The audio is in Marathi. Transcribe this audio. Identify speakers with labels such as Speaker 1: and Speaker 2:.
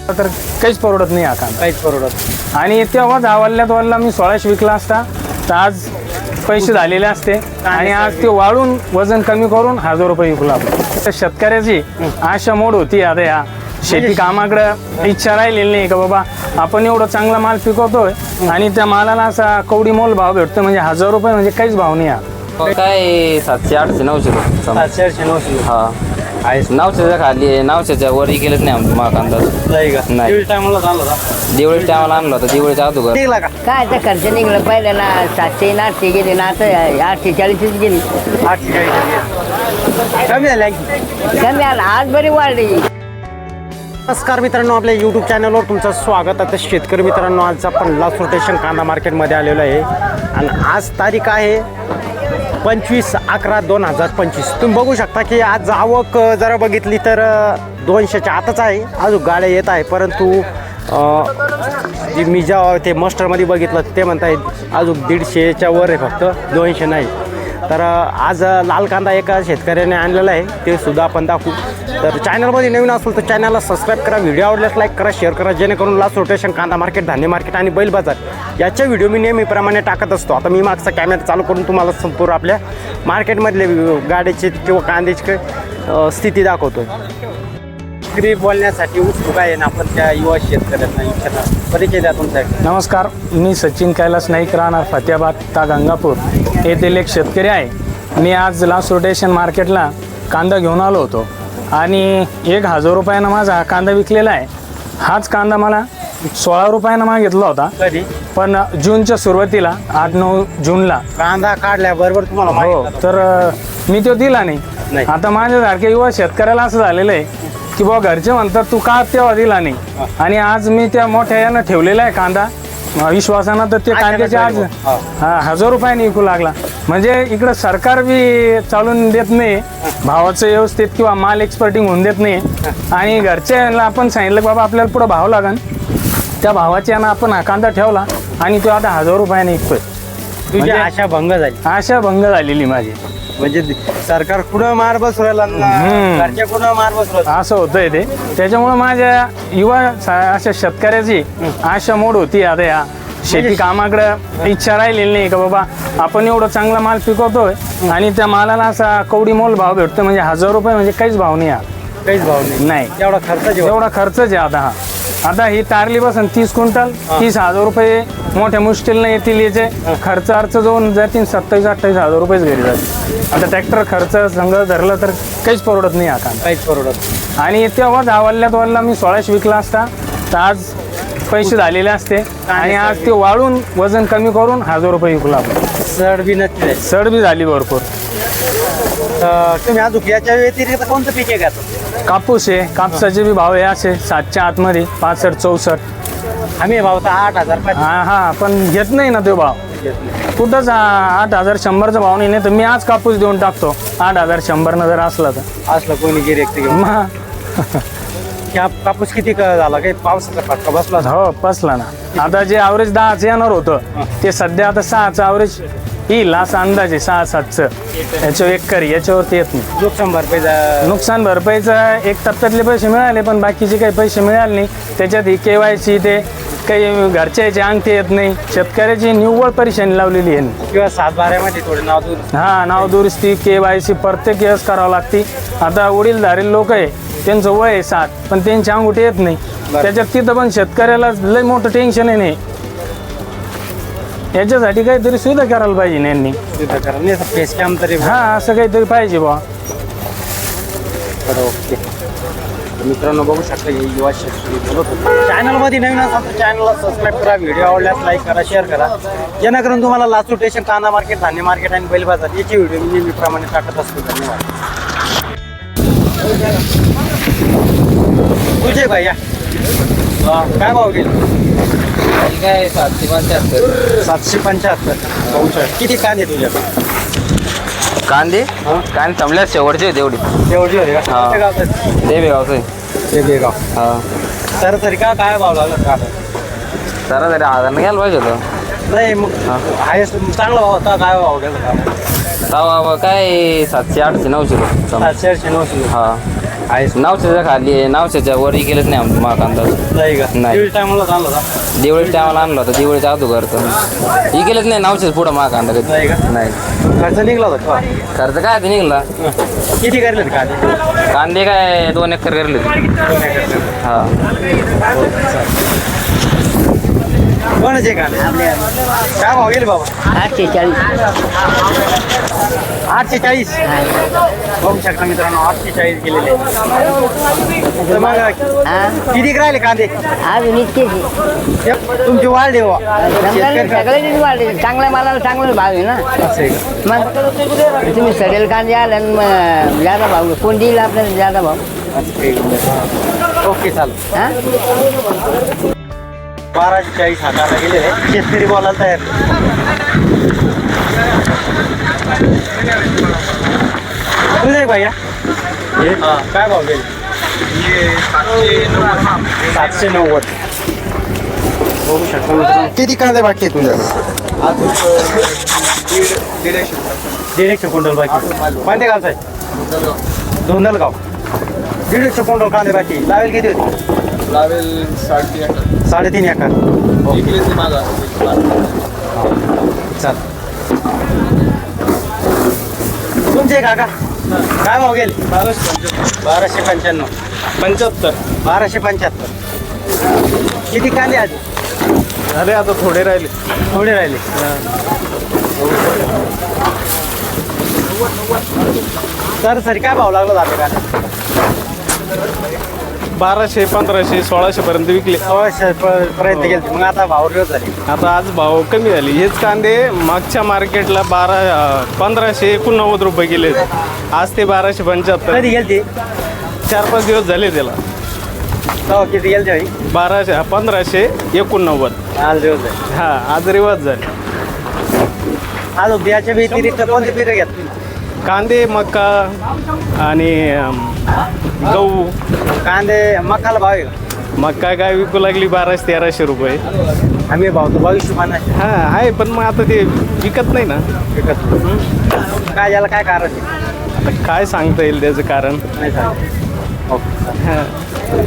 Speaker 1: तर काहीच परवडत नाही हा कांदा,
Speaker 2: काहीच परवडत.
Speaker 1: आणि तेव्हा धावल्यात वाढला मी 1600 विकला असता तर आज पैसे झालेले असते, आणि आज ते वाढून वजन कमी करून 1000 रुपये विकला. तर शेतकऱ्याची आशा मोड होती आता या शेती कामाकडे इच्छा राहिलेली नाही का बाबा आपण एवढं चांगला माल पिकवतोय आणि त्या मालाला असा कवडी मोल भाव भेटतो, म्हणजे 1000 रुपये म्हणजे काहीच भाव नाही.
Speaker 3: काय 700 800 900
Speaker 2: 700 900.
Speaker 3: हा आहे 900च्या खाली आहे, 900च्या वरही गेलंच नाही आमचं महाग अंदाज
Speaker 2: नाही का?
Speaker 3: नाही.
Speaker 2: दिवस टायमाला झाला होता.
Speaker 3: दिवाळी टायमाला आणला होता, दिवाळीच्या अगोदर.
Speaker 2: निघला का?
Speaker 4: काय आता खर्च निघलं पहिलं ना 700 800 गेले ना आता 840 गेली.
Speaker 2: 840 कमी झाले आणखी.
Speaker 4: कमी आला आज बरी वाढली.
Speaker 2: नमस्कार मित्रांनो, आपल्या यूट्यूब चॅनलवर तुमचं स्वागत. आता शेतकरी मित्रांनो, आज आपण लास्ट रोटेशन कांदा मार्केटमध्ये आलेलो आहे आणि आज तारीख आहे 25/11/2025. तुम्ही बघू शकता की आज आवक जरा बघितली तर 200च्या आतच आहे. अजून गाड्या येत आहे, परंतु जी मी जेव्हा ते मस्टरमध्ये बघितलं ते म्हणतायत अजून 150च्या वर आहे, फक्त 200 नाही. तर आज लाल कांदा एका शेतकऱ्याने आणलेला आहे, ते सुद्धा आपण दाखवू. तर चॅनलमध्ये नवीन असेल तर चॅनलला सबस्क्राईब करा, व्हिडिओ आवडल्यास लाईक करा, शेअर करा, जेणेकरून लास्ट रोटेशन कांदा मार्केट, धान्य मार्केट आणि बैल बाजार याच्या व्हिडिओ मी नेहमीप्रमाणे टाकत असतो. आता मी मागचा कॅमेरा चालू करून तुम्हाला संपूर्ण आपल्या मार्केटमधले गाड्याची किंवा कांद्याची स्थिती दाखवतो. विक्री बोलण्यासाठी उत्सुक आहे ना आपण त्या युवा शेतकऱ्यांना इच्छा परिचय द्या तुमचा.
Speaker 1: नमस्कार, मी सचिन कैलास नाईक, राहणार फतेहाबाद ता गंगापूर येथील एक शेतकरी आहे. मी आज लास्ट रोटेशन मार्केटला कांदा घेऊन आलो होतो आणि 1000 रुपयानं माझा हा कांदा विकलेला आहे. हाच कांदा मला 16 रुपयानं मागितला होता,
Speaker 2: कधी
Speaker 1: पण जूनच्या सुरुवातीला 8-9 जूनला
Speaker 2: कांदा काढल्याबरोबर तुम्हाला
Speaker 1: हो,
Speaker 2: माहिती
Speaker 1: तर मी तो दिला नाही.
Speaker 2: नाही.
Speaker 1: आता माझ्यासारख्या युवा शेतकऱ्याला असं झालेलं आहे की बाबा घरचे म्हणतात तू का तेव्हा दिला नाही, आणि आज मी त्या मोठ्या यानं ठेवलेला आहे कांदा विश्वासानं, तर ते कांद्याचे आज 1000 रुपयाने विकू लागला. म्हणजे इकडं सरकार बी चालून देत नाही भावाचं व्यवस्थित, किंवा माल एक्सपोर्टिंग होऊन देत नाही, आणि घरच्याला आपण सांगितलं बाबा आपल्याला पुढं भाव लागन, त्या भावाच्या यानं आपण हा कांदा ठेवला आणि तो आता 1000 रुपयाने विकतोय.
Speaker 2: तुझी
Speaker 1: म्हणजे
Speaker 2: आशा भंग झाली.
Speaker 1: आशा भंग झालेली माझी.
Speaker 2: म्हणजे सरकार कुठं मार बसवायला, घरच्या कुठं मार बसवायला,
Speaker 1: असं होतंय ते. त्याच्यामुळं माझ्या युवा अशा शेतकऱ्याची आशा मोड होती आता या शेती कामाकडे इच्छा राहिलेली नाही का बाबा आपण एवढं चांगला माल पिकवतोय आणि त्या मालाला असा कवडी मोल भाव भेटतो, म्हणजे 1000 रुपये म्हणजे काहीच भाव नाही.
Speaker 2: काहीच भाव नाही. एवढा खर्च
Speaker 1: एवढा खर्चच आहे आता. आता ही तारली बसन 30 क्विंटल 30,000 रुपये मोठ्या मुश्किलनं येतील. याचे खर्च अर्थ जाऊन जातील 27-28,000 रुपयेच घरी जातील. आता ट्रॅक्टर खर्च संघ धरलं तर काहीच परवडत नाही आता,
Speaker 2: काहीच परवडत.
Speaker 1: आणि तेव्हा धावल्यात वाढला मी 1600 विकला असता तर आज पैसे झालेले असते, आणि आज ते वाढून वजन कमी करून 1000 रुपये विकला.
Speaker 2: सड बी नसते,
Speaker 1: सड बी झाली भरपूर.
Speaker 2: तुम्ही अजून याच्या व्यतिरिक्त कोणतं पीक आहे का?
Speaker 1: कापूस आहे, कापसाचे बी भाव आहे असे 7च्या आतमध्ये 65-64.
Speaker 2: आम्ही भाव तर 8000.
Speaker 1: हा पण घेत नाही ना तो भाव कुठंच. 8100चा भाव नाही, तर मी आज कापूस देऊन टाकतो 8100 जर असला तर.
Speaker 2: असलं कोणी गिऱ्हाईक घेऊन कापूस किती झाला? काही पावसाचा फटका बसला?
Speaker 1: हो बसला ना. आता जे ॲव्हरेज 10चं येणार होतं ते सध्या आता 6चं ॲव्हरेज येईल असा अंदाज आहे. 6-7चं याच्यावर एकरी याच्यावरती येत नाही. नुकसान भरपाईचा 1% पैसे मिळाले, पण बाकीचे काही पैसे मिळाले नाही. त्याच्यात ही KYC ते काही घरच्याचे अंगठे येत नाही. शेतकऱ्याची निव्वळ परेशानी लावलेली आहे.
Speaker 2: किंवा 7-12मध्ये थोडे नाव दूर
Speaker 1: नाव दुरुस्ती KYC प्रत्येक वेळेस करावं लागते. आता वडीलधारी लोक आहे, त्यांचं वय आहे 7, पण त्यांचे अंगठे येत नाही. त्याच्यात तिथं पण शेतकऱ्याला लय मोठं टेन्शन आहे. नाही याच्यासाठी काहीतरी सुविधा करायला पाहिजे यांनी.
Speaker 2: फेस कॅम्प तरी
Speaker 1: असं काहीतरी पाहिजे बा.
Speaker 2: ओके मित्रांनो, बघू शकता युवा शेतकरी बोलत होते. चॅनलमध्ये नवीन असाल तर चॅनलला सबस्क्राईब करा, व्हिडिओ आवडल्यास लाईक करा, शेअर करा, जेणेकरून तुम्हाला लास्ट रोटेशन कांदा मार्केट, धान्य मार्केट आणि बैल बाजार याची व्हिडिओ मी नेहमीप्रमाणे टाकत असतो. धन्यवाद. तुझे भैया काय भाव गेले?
Speaker 3: काय 775.
Speaker 2: 775. किती कांदे तुझ्या?
Speaker 3: कांदे थांबल्या शेवटचे तेवढी
Speaker 2: होते का?
Speaker 3: हा.
Speaker 2: गावचं
Speaker 3: ते बेगावचं आहे.
Speaker 2: ते बेगाव.
Speaker 3: हा
Speaker 2: सरासरी का काय भाव लागला का?
Speaker 3: सरासरी 1000 घ्यायला पाहिजे होतं.
Speaker 2: नाही मग हायस्ट चांगला भाव होता. काय भाव गेला?
Speaker 3: काय 700 800 900.
Speaker 2: 700 900.
Speaker 3: हा
Speaker 2: आहेस
Speaker 3: नावशेच्या खाली आहे, नावशेच्या वरही गेलंच नाही आमचं महा कांदा
Speaker 2: नाही का
Speaker 3: नाही.
Speaker 2: दिवाळी टायमाला चालला होता
Speaker 3: दिवाळीच्या टायमाला आणला होता, दिवाळीच्या अगोदर तर ही गेलंच नाही नावशेच पुढं महा कांदा कधी.
Speaker 2: नाही का?
Speaker 3: नाही
Speaker 2: खर्च निघला होता का?
Speaker 3: खर्च काय ते निघला
Speaker 2: किती करले कांदे
Speaker 3: कांदे काय 2 एकर करले हा.
Speaker 2: कोणाचे कांदे काय भाव गेले बाबा
Speaker 4: 840.
Speaker 2: 840 बघू शकता मित्रांनो 840 गेलेले तर मग
Speaker 4: हा
Speaker 2: किती राहिले कांदे
Speaker 4: अजून इतकेच
Speaker 2: तुमची वाढ देवा
Speaker 4: सगळे वाढले. चांगल्या मालाला चांगला भाव आहे ना. मग तुम्ही सडेल कांदे आले आणि मग जादा भाव कोण देईल आपल्याला जादा भाव.
Speaker 2: ओके चालेल
Speaker 4: हा
Speaker 2: 1240 हाताला गेलेले शेतकरी बोलायला तयार तुझे भैया काय भाव गेले 790 बघू शकता मित्रांनो. किती कांदे बाकी आहे तुझ्याकडे 150 क्विंटल बाकी कोणत्या गावचा आहे धोंदलगाव 150 क्विंटल कांदे बाकी लावेल किती होती
Speaker 5: लावेल
Speaker 2: 3.5 एकर चाल तुमचे काका काय भाव गेले 1295 1275 किती कांदे आज
Speaker 5: झाले आता थोडे राहिले
Speaker 2: थोडे राहिले सर काय भाव लागला जाते का
Speaker 5: 1200 1500 1600 पर्यंत विकले
Speaker 2: प्रयत्न केले मग आता भाव रोज झाले
Speaker 5: आता आज भाव कमी झाले. हेच कांदे मागच्या मार्केटला 1589 रुपये गेले, आज ते 1275.
Speaker 2: कधी गेलते
Speaker 5: 4-5 दिवस झाले त्याला.
Speaker 2: हो किती गेलते भाई
Speaker 5: 1589.
Speaker 2: आज दिवस झाले
Speaker 5: हा आज रिवाज झाले.
Speaker 2: आज बियाच्या व्यतिरिक्त कोणते पिकं घेत
Speaker 5: कांदे मका आणि गहू.
Speaker 2: कांदे मकाला भाव आहे का
Speaker 5: मका काय विकू लागली 1200-1300 रुपये.
Speaker 2: आम्ही भाव तो 2250
Speaker 5: हा आहे पण मग आता ते विकत नाही ना.
Speaker 2: विकत काय याला काय कारण आहे
Speaker 5: आता काय सांगता येईल त्याचं कारण.
Speaker 2: नाही सांग ओके
Speaker 5: हा